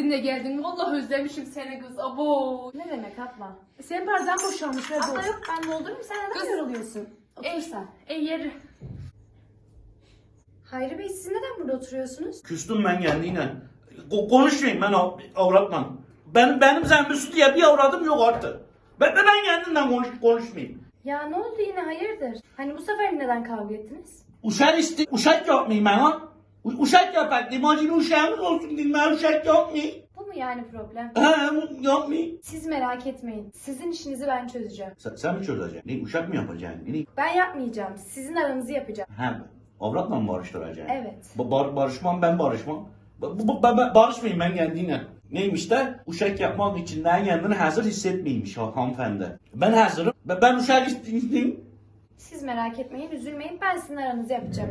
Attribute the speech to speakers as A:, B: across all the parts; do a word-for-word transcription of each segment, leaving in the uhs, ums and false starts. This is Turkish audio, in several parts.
A: ettin de geldin. Vallahi özlemişim seni kız. Abo.
B: Ne demek abla?
A: Sen bardan boşalmış. Ver
B: Abla
A: doldur.
B: yok ben doldurayım sen neden
A: Kız.
B: yoruluyorsun?
A: Ey,
B: Otursan.
A: ey yeri.
B: Hayri Bey siz neden burada oturuyorsunuz?
C: Küstüm ben kendiyle. Ko- konuşmayayım ben av- avratla. Benim, benim Zembüsü diye bir avradım yok artık. Ben, ben kendimden konuş, konuşmayayım.
B: Ya ne oldu yine hayırdır? Hani bu sefer neden kavga ettiniz?
C: Uşak isti, uşak yapmayayım ben ha. U- Uşak yapak, limacını uşağımız olsun diyeyim ben uşak yapmayayım.
B: Bu mu yani problem?
C: He, bu yapmayayım.
B: Siz merak etmeyin. Sizin işinizi ben çözeceğim.
C: Sen, sen mi çözeceksin? Ne, uşak mı yapacaksın? Ne?
B: Ben yapmayacağım. Sizin aranızı yapacağım.
C: He, avratla mı barıştıracaksın?
B: Evet.
C: Ba- bar- barışmam ben barışmam. Ba- bu- bu- ben, barışmayayım ben kendine. Neymiş de uşak yapmak için de kendini hazır hissetmeymiş ha- hanımefendi. Ben hazırım. Ben, ben uşak isteyeyim.
B: Siz merak etmeyin, üzülmeyin. Ben sizin aranızı yapacağım.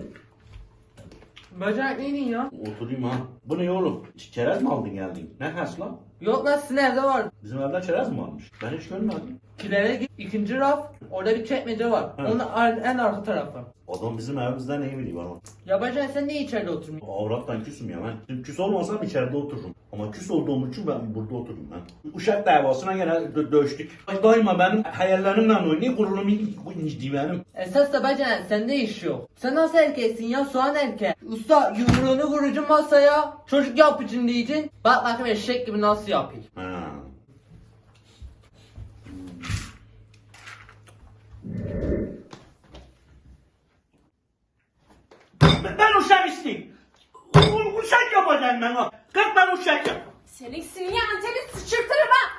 D: Bacak neydin ya?
C: Oturayım ha. Bu ne oğlum? Çerez mi aldın geldin? Ne has lan?
D: Yok lan sizin evde var.
C: Bizim evde çerez mi varmış? Ben hiç görmedim.
D: Kilere git. İkinci raf. Orada bir çekmece var.
C: Hı.
D: Onun ar- en arka tarafı.
C: Adam bizim evimizde ne biliyor ama.
D: Ya bacak sen niye içeride oturmuyorsun?
C: Avrattan küsüm ya ben. Şimdi küs olmasam içeride otururum. Ama küs olduğum için ben burada otururum ben. Uşak davasına gene dö- dövüştük. Daima benim hayallerimle oynuyor, gururum incidi benim.
D: Esas da bacak sende iş yok. Sen nasıl erkeksin ya soğan erkek? Usta yumruğunu vuracaksın masaya. Çocuk yapacaksın diyeceksin. Bak bakayım eşek gibi nasıl yapayım.
C: Ha. Ben, ben uşak isteyeyim. U- Uşak yapacağım ben o. Kalk ben uşak yap.
A: Senin sinye anteni sıçırtırım ha.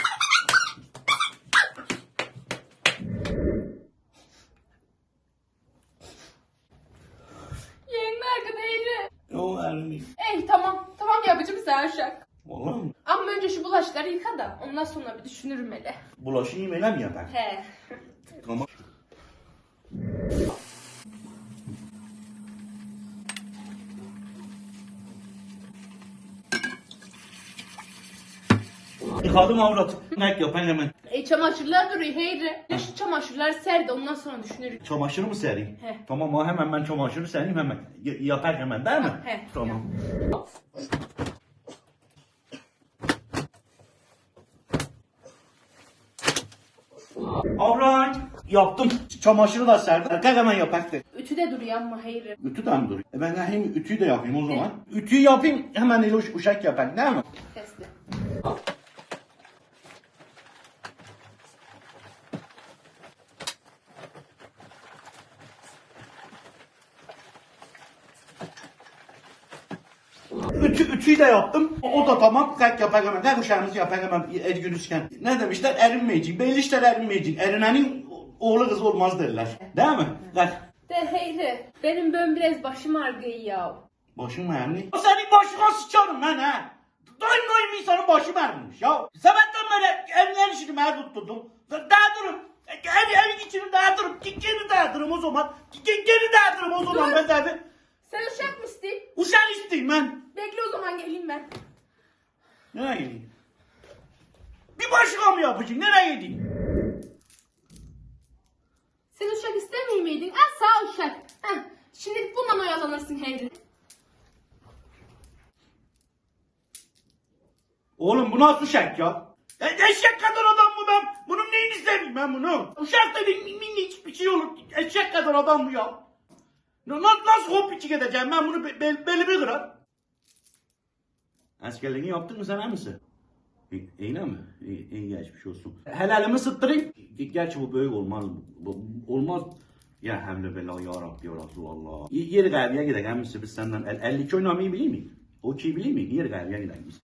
A: Yeğenin arkada eğri.
C: Yo elini.
A: Ey tamam. Tamam yapacağım sen şak.
C: Vallahi mi?
A: Ama önce şu bulaşıkları yıka da ondan sonra bir düşünürüm hele.
C: Bulaşığı yemeğe mi yapar?
A: He.
C: Tamam. Yıkadım avrat. Ne yapan hemen.
A: E çamaşırlar duruyor heyri. Ya şu çamaşırları ser de ondan sonra düşünürüm.
C: Çamaşırı mı sereyim?
A: He.
C: Tamam ha hemen ben çamaşırı sereyim hemen. Y- yapar hemen değil mi?
A: He.
C: Tamam. Avrat. Yaptım. Çamaşırı da serdim. Kalk hemen yapaktı.
A: Ütüde duruyor ama heyri.
C: Ütü de mi duruyor? E ben de hem ütüyü de yapayım o zaman. Ütüyü yapayım hemen el uş- uşak yapar değil mi?
A: Sesli.
C: Ütü, ütüyü de yaptım. O, o da tamam. Kalk yapar hemen. Kalk uşağımızı yapar hemen el günüzken. Ne demişler? Erinmeyecek. Belli işler erinmeyecek. Erinenin oğlu kız olmaz derler. Değil mi? Kalk.
A: De heyri. Benim böyle biraz başım ağrıyor ya.
C: Başın mı ağrıyor? Senin başına sıçarım ben ha. Daim daim insanın başı ağrımış ya. Sabahtan beri evler işini ben tutturdum. Dağıtırım. Ev, evin içini dağıtırım. Geri dağıtırım o zaman. Geri dağıtırım o zaman ben tabi.
A: Sen uşak mı istiyorsun?
C: Uşak isteyeyim ben.
A: Bekle o zaman geleyim ben.
C: Nereye gideyim? Bir başka mı yapacaksın? Nereye gideyim?
A: Sen uşak istemiyor muydun? Ha sağ uşak. Heh. Şimdi bundan oyalanırsın heyri.
C: Oğlum bu nasıl uşak ya? E, eşek kadar adam mı ben? Bunun neyini seveyim ben bunu? Uşak dediğin minicik bir şey olur. Eşek kadar adam mı ya? Na- Nasıl, nasıl hoppiçik edeceğim ben bunu be, be, belimi kırar. Askerliğini yaptın mı sen ha mısın? İyi, iyi mi? İyi, iyi geçmiş olsun. Helalimi sıttırayım. Gerçi bu böyle olmaz. Bu, olmaz. Ya hemle bela ya Rabbi ya Resulallah. Y- Yeri gaybiye gidelim misin biz senden? El, elli iki oynamayı biliyor muyum? O iki biliyor muyum? Yeri gaybiye gidelim biz.